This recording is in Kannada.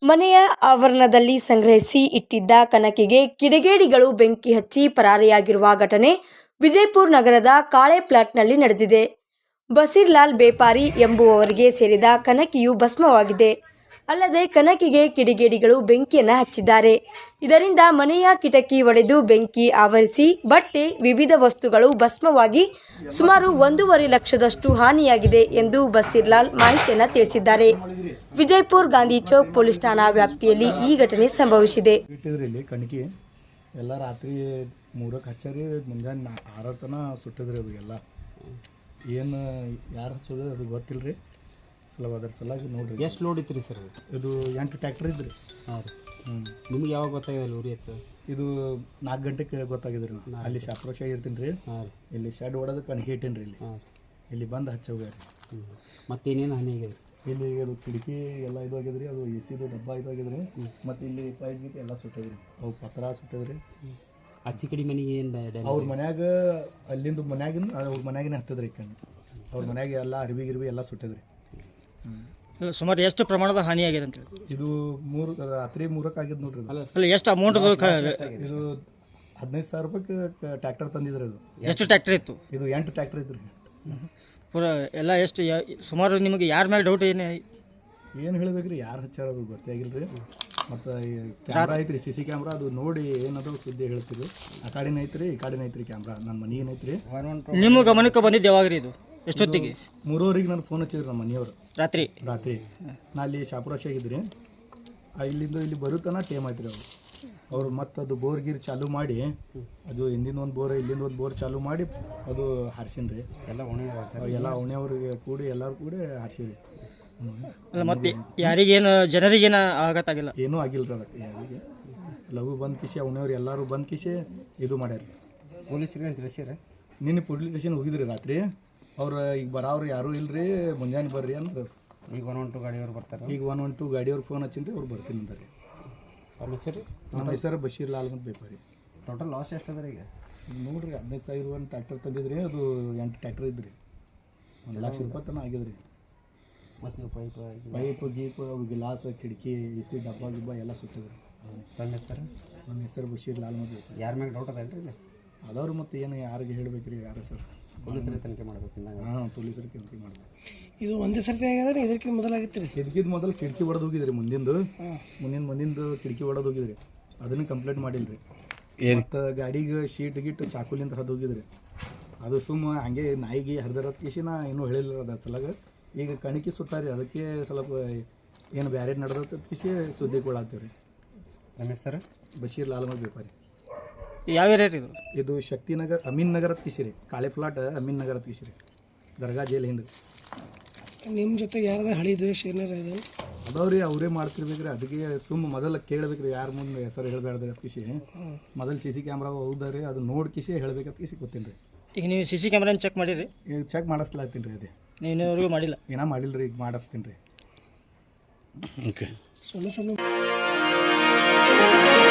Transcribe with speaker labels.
Speaker 1: ಮನೆಯ ಆವರಣದಲ್ಲಿ ಸಂಗ್ರಹಿಸಿ ಇಟ್ಟಿದ್ದ ಕನಕಿಗೆ ಕಿಡಿಗೇಡಿಗಳು ಬೆಂಕಿ ಹಚ್ಚಿ ಪರಾರಿಯಾಗಿರುವ ಘಟನೆ ವಿಜಯಪುರ ನಗರದ ಕಾಳೆ ಪ್ಲಾಟ್ನಲ್ಲಿ ನಡೆದಿದೆ. ಬಸೀರ್ಲಾಲ್ ಬೇಪಾರಿ ಎಂಬುವವರಿಗೆ ಸೇರಿದ ಕನಕಿಯು ಭಸ್ಮವಾಗಿದೆ. ಅಲ್ಲದೆ ಕನಕಿಗೆ ಕಿಡಿಗೇಡಿಗಳು ಬೆಂಕಿಯನ್ನು ಹಚ್ಚಿದ್ದಾರೆ. ಇದರಿಂದ ಮನೆಯ ಕಿಟಕಿ ಒಡೆದು ಬೆಂಕಿ ಆವರಿಸಿ ಬಟ್ಟೆ, ವಿವಿಧ ವಸ್ತುಗಳು ಭಸ್ಮವಾಗಿ ಸುಮಾರು 1.5 ಲಕ್ಷದಷ್ಟು ಹಾನಿಯಾಗಿದೆ ಎಂದು ಬಸೀರ್ಲಾಲ್ ಮಾಹಿತಿಯನ್ನು ತಿಳಿಸಿದ್ದಾರೆ. ವಿಜಯಪುರ ಗಾಂಧಿ ಚೌಕ್ ಪೊಲೀಸ್ ಠಾಣಾ ವ್ಯಾಪ್ತಿಯಲ್ಲಿ ಈ ಘಟನೆ ಸಂಭವಿಸಿದೆ.
Speaker 2: ಕಣಕಿ ಎಲ್ಲ ರಾತ್ರಿ 3ಕ್ಕೆ ಹಚ್ಚಾರಿ, ಮುಂಜಾನೆ 6 ತನಕ ಸುಟ್ಟಿದ್ರಿ. ಅದು ಎಲ್ಲ ಏನು ಯಾರು ಹಚ್ಚೋದು ಅದು ಗೊತ್ತಿಲ್ಲ ರೀ. ಅದ್ರ ಸಲಾಗಿ ನೋಡ್ರಿ.
Speaker 3: ಎಷ್ಟು ಲೋಡ್ ಇತ್ತು ರೀ ಸರ್?
Speaker 2: ಇದು 8 ಟ್ಯಾಕ್ಟರ್ ಇದ್ರಿ.
Speaker 3: ಹಾಂ ರೀ. ನಿಮ್ಗೆ ಯಾವಾಗ ಗೊತ್ತಾಗಿದೆ ಉರಿ ಇತ್ತು?
Speaker 2: ಇದು 4 ಗಂಟೆಗೆ ಗೊತ್ತಾಗಿದ್ರಿ. ಅಲ್ಲಿ ಶಾಪ್ರೋಕ್ಷ ಇರ್ತೀನಿ ರೀ.
Speaker 3: ಹಾಂ.
Speaker 2: ಇಲ್ಲಿ ಶೆಡ್ ಹೊಡೆದು ಕಣಕಿ ಇಟ್ಟೀನಿ ರೀ. ಇಲ್ಲಿ ಬಂದು ಹಚ್ಚೋಗ್ಯಾರ.
Speaker 3: ಮತ್ತೇನೇನು ಹಾನಿ ಆಗಿದೆ?
Speaker 2: ಇಲ್ಲಿ ಅದು ಕಿಟಕಿ ಎಲ್ಲ ಇದು ಆಗಿದ್ರಿ. ಅದು ಎಸಿದು ಡಬ್ಬ ಇದು ಆಗಿದ್ರಿ. ಮತ್ತು ಇಲ್ಲಿ ಪೈಪ್ ಗೀಟ್ ಎಲ್ಲ ಸುಟ್ಟಿದ್ರಿ. ಅವು ಪತ್ರ ಸುಟ್ಟಿದ್ರಿ.
Speaker 3: ಅಚ್ಚಿ ಕಡಿ ಮನೆಗೆ ಏನು
Speaker 2: ಅವ್ರ ಮನ್ಯಾಗ ಅಲ್ಲಿಂದ ಮನ್ಯಾಗಿನ ಅವ್ರ ಮನ್ಯಾಗಿನ ಹತ್ತದ್ರಿ. ಕಣ್ಣು ಅವ್ರ ಮನ್ಯಾಗ ಎಲ್ಲ ಅರ್ಬಿ ಗಿರ್ಬಿ ಎಲ್ಲ ಸುಟ್ಟಿದ್ರಿ.
Speaker 4: ಸುಮಾರು ಎಷ್ಟು ಪ್ರಮಾಣದ ಹಾನಿಯಾಗಿದೆ ಅಂತ ಹೇಳಿ?
Speaker 2: ಇದು ರಾತ್ರಿ 3ಕ್ಕೆ ಆಗಿದ್ದು ನೋಡ್ರಿ.
Speaker 4: ಅಲ್ಲ, ಎಷ್ಟು ಅಮೌಂಟ್?
Speaker 2: ಇದು 15,000 ರೂಪಾಯಿಗೆ ಟ್ಯಾಕ್ಟರ್ ತಂದಿದ್ರಿ. ಅದು
Speaker 4: ಎಷ್ಟು ಟ್ಯಾಕ್ಟರ್ ಇತ್ತು?
Speaker 2: ಇದು 8 ಟ್ಯಾಕ್ಟರ್ ಇದ್ರಿ.
Speaker 4: ಪೂರ ಎಲ್ಲ ಎಷ್ಟು ಸುಮಾರು ನಿಮಗೆ ಯಾರ ಮೇಲೆ ಡೌಟ್
Speaker 2: ಏನು ಹೇಳ್ಬೇಕ್ರಿ? ಯಾರು ಹಚ್ಚಾರ ಅದು ಗೊತ್ತೇ ಆಗಿಲ್ಲ ರೀ. ಮತ್ತು ಕ್ಯಾಮ್ರಾ ಐತ್ರಿ, CC ಕ್ಯಾಮ್ರಾ. ಅದು ನೋಡಿ ಏನದು ಸುದ್ದಿ ಹೇಳ್ತೀರಿ. ಆ ಕಡೆನೇ ಐತ್ರಿ, ಈ ಕಡೆನೇ ಐತ್ರಿ ಕ್ಯಾಮ್ರಾ. ನನ್ನ ಮನೆ ಏನೈತ್ರಿ.
Speaker 4: ನಿಮ್ಮ ಗಮನಕ್ಕೆ ಬಂದಿದ್ದು ಯಾವಾಗ ರೀ? ಇದು ಎಷ್ಟೊತ್ತಿಗೆ?
Speaker 2: 3:30ಗೆ ನಾನು ಫೋನ್ ಹಚ್ಚಿದ್ರಿ ನಮ್ಮ ಮನೆಯವರು.
Speaker 4: ರಾತ್ರಿ
Speaker 2: ನಾ ಅಲ್ಲಿ ಶಾಪುರಾಕ್ಷಾಗಿದ್ರಿ. ಇಲ್ಲಿಂದ ಇಲ್ಲಿ ಬರುತ್ತಾನ ಟೇಮ್ ಆಯ್ತು ರೀ. ಅವ್ರು ಮತ್ತು ಅದು ಬೋರ್ ಗೀರ್ ಚಾಲೂ ಮಾಡಿ, ಅದು ಹಿಂದಿಂದ ಒಂದು ಬೋರ್ ಇಲ್ಲಿಂದ ಒಂದು ಬೋರ್ ಚಾಲೂ ಮಾಡಿ ಅದು ಹಾರಿಸಿನ್ ರೀ. ಎಲ್ಲ ಓಣಿಯವ್ರಿಗೆ ಕೂಡಿ ಎಲ್ಲರೂ ಕೂಡಿ ಹಾರಿಸಿರಿ.
Speaker 4: ಅಲ್ಲ, ಮತ್ತೆ ಯಾರಿಗೇನು ಜನರಿಗೇನು ಆಗತ್ತಾಗಿಲ್ಲ?
Speaker 2: ಏನೂ ಆಗಿಲ್ಲ ರೀ. ಅದಕ್ಕೆ ಯಾರಿಗೆ ಲಘು ಬಂದು ಕಿಸಿ ಓಣಿಯವ್ರು ಎಲ್ಲರೂ ಬಂದು ಕಿಸಿ ಇದು ಮಾಡ್ಯಾರ.
Speaker 3: ಪೊಲೀಸರಿಗೆ ತಿಳಿಸ್ಯಾರ?
Speaker 2: ನಿನ್ನೆ ಪೊಲೀಸ್ ಸ್ಟೇಷನ್ ಹೋಗಿದ್ರಿ ರಾತ್ರಿ. ಅವ್ರು ಈಗ ಬರೋರು ಯಾರೂ ಇಲ್ಲ ರೀ, ಮುಂಜಾನೆ ಬರ್ರಿ ಅಂದ್ರೆ.
Speaker 3: ಈಗ 112 ಗಾಡಿಯವ್ರು ಬರ್ತಾರೆ.
Speaker 2: ಈಗ 112 ಗಾಡಿಯವ್ರು ಫೋನ್ ಹಚ್ಚಿನ್ರಿ, ಅವ್ರು ಬರ್ತೀನಿ ಅಂತಾರೆ.
Speaker 3: ಅವ್ರ ಹೆಸರು?
Speaker 2: ನಮ್ಮ ಹೆಸರು ಬಶೀರ್ಲಾಲ್ ಅಂತ ಬೇಪಾರಿ.
Speaker 3: ಟೋಟಲ್ ಲಾಸ್ ಎಷ್ಟು ಅದ ಈಗ?
Speaker 2: ನೋಡ್ರಿ, 15,000 ಒಂದು ಟ್ಯಾಕ್ಟರ್ ತಂದಿದ್ರಿ. ಅದು 8 ಟ್ಯಾಕ್ಟರ್ ಇದ್ರಿ. 1 ಲಕ್ಷ ರೂಪಾಯಿ ತನಕ ಆಗಿದ್ರಿ.
Speaker 3: ಮತ್ತು
Speaker 2: ಪೈಪ್ ಗೀಪ್, ಅವು ಗಿಲಾಸ್, ಕಿಟಕಿ, AC ಡಬ್ಬ ಗಿಬ್ಬ ಎಲ್ಲ ಸುತ್ತಿದ್ರಿ.
Speaker 3: ನನ್ನ ಹೆಸರು?
Speaker 2: ನನ್ನ ಹೆಸರು ಬಶೀರ್ಲಾಲ್ ಅಂತ ಬೇಪಾರಿ.
Speaker 3: ಯಾರ ಮ್ಯಾಗ ಡೌಟ್ ಅದಲ್ರಿ ಈಗ?
Speaker 2: ಅದವ್ರು ಮತ್ತು ಏನು ಯಾರಿಗೆ ಹೇಳ್ಬೇಕ್ರಿ? ಯಾರು ಸರ್?
Speaker 3: ಪೊಲೀಸರೇ ತನಿಖೆ ಮಾಡ್ಬೇಕು.
Speaker 2: ಹಾಂ, ಪೊಲೀಸರು ತನಿಖೆ ಮಾಡ್ಬೇಕು.
Speaker 4: ಇದು ಒಂದೇ ಸರ್ತಿ ಆಗ್ಯದ? ಇದಕ್ಕಿಂತ ಮೊದಲಾಗಿತ್ತು ರೀ?
Speaker 2: ಇದಕ್ಕಿಂತ ಮೊದಲು ಕಿಟಕಿ ಒಡೆದು ಹೋಗಿದ್ರಿ. ಮುಂದಿಂದು ಕಿಟಕಿ ಒಡೆದು ಹೋಗಿದ್ರಿ. ಅದನ್ನು ಕಂಪ್ಲೇಂಟ್ ಮಾಡಿಲ್ಲ ರೀ. ಮತ್ತು ಗಾಡಿಗೆ ಶೀಟ್ ಗಿಟ್ಟು ಚಾಕುಲಿಂದ ಹರಿದು ಹೋಗಿದ್ರಿ. ಅದು ಸುಮ್ಮ ಹಂಗೆ ನಾಯಿಗೆ ಹರಿದಿರೋದು ಕಿಸಿ ನಾ ಇನ್ನೂ ಹೇಳಿಲ್ಲ. ಅದು ಸಲಗ ಈಗ ಕಣಿಕೆ ಸುಟ್ಟಾರಿ. ಅದಕ್ಕೆ ಸ್ವಲ್ಪ ಏನು ಬ್ಯಾರೆ ನಡೆದತ್ತ ಕಿಸಿ ಸುದ್ದಿಗೊಳಾಗ್ತೀವಿ ರೀ.
Speaker 3: ನಮ್ಮ ಹೆಸರು
Speaker 2: ಬಶೀರ್ಲಾಲ್ ಅಂತ ಬೇಪಾರಿ.
Speaker 4: ಯಾವ ಏರಿಯಾ ರೀ ಇದು?
Speaker 2: ಇದು ಶಕ್ತಿನಗರ್ ಅಮೀನ್ ನಗರದ ಕಿಸಿರಿ. ಕಾಳೆ ಪ್ಲಾಟ್ ಅಮೀನ್ ನಗರದ ಕಿಸಿರಿ, ದರ್ಗಾ ಜೈಲ್ ಹಿಂದೆ.
Speaker 4: ನಿಮ್ಮ ಜೊತೆ ಯಾರದ ಹಳಿ ದ್ವೇಷ ಏನಾರ ಇದೆ?
Speaker 2: ಅದಾವ್ರಿ, ಅವರೇ ಮಾಡ್ತಿರ್ಬೇಕ್ರಿ. ಅದಕ್ಕೆ ಸುಮ್ಮ ಮೊದಲು ಕೇಳಬೇಕ್ರಿ, ಯಾರ ಮುಂದೆ ಹೆಸರು ಹೇಳ್ಬೇಡ್ರಿ ಅಂತ ಕಿಸಿ. ಮೊದಲು CC ಕ್ಯಾಮ್ರಾ ಹೌದಾ ರೀ, ಅದು ನೋಡಿ ಕಿಸಿ ಹೇಳ್ಬೇಕಂತ ಕಿಸಿ ಗೊತ್ತೀನಿ ರೀ.
Speaker 4: ಈಗ ನೀವು CC ಕ್ಯಾಮ್ರಾನ ಚೆಕ್ ಮಾಡಿರಿ?
Speaker 2: ಈಗ ಚೆಕ್ ಮಾಡಿಸ್ಲಾಗ್ತೀನಿ ರೀ. ಅದೇ
Speaker 4: ನೀವು ಇನ್ನೂವರೆಗೂ ಮಾಡಿಲ್ಲ?
Speaker 2: ಏನೋ ಮಾಡಿಲ್ಲ ರೀ, ಈಗ ಮಾಡಿಸ್ತೀನಿ ರೀ.
Speaker 4: ಓಕೆ.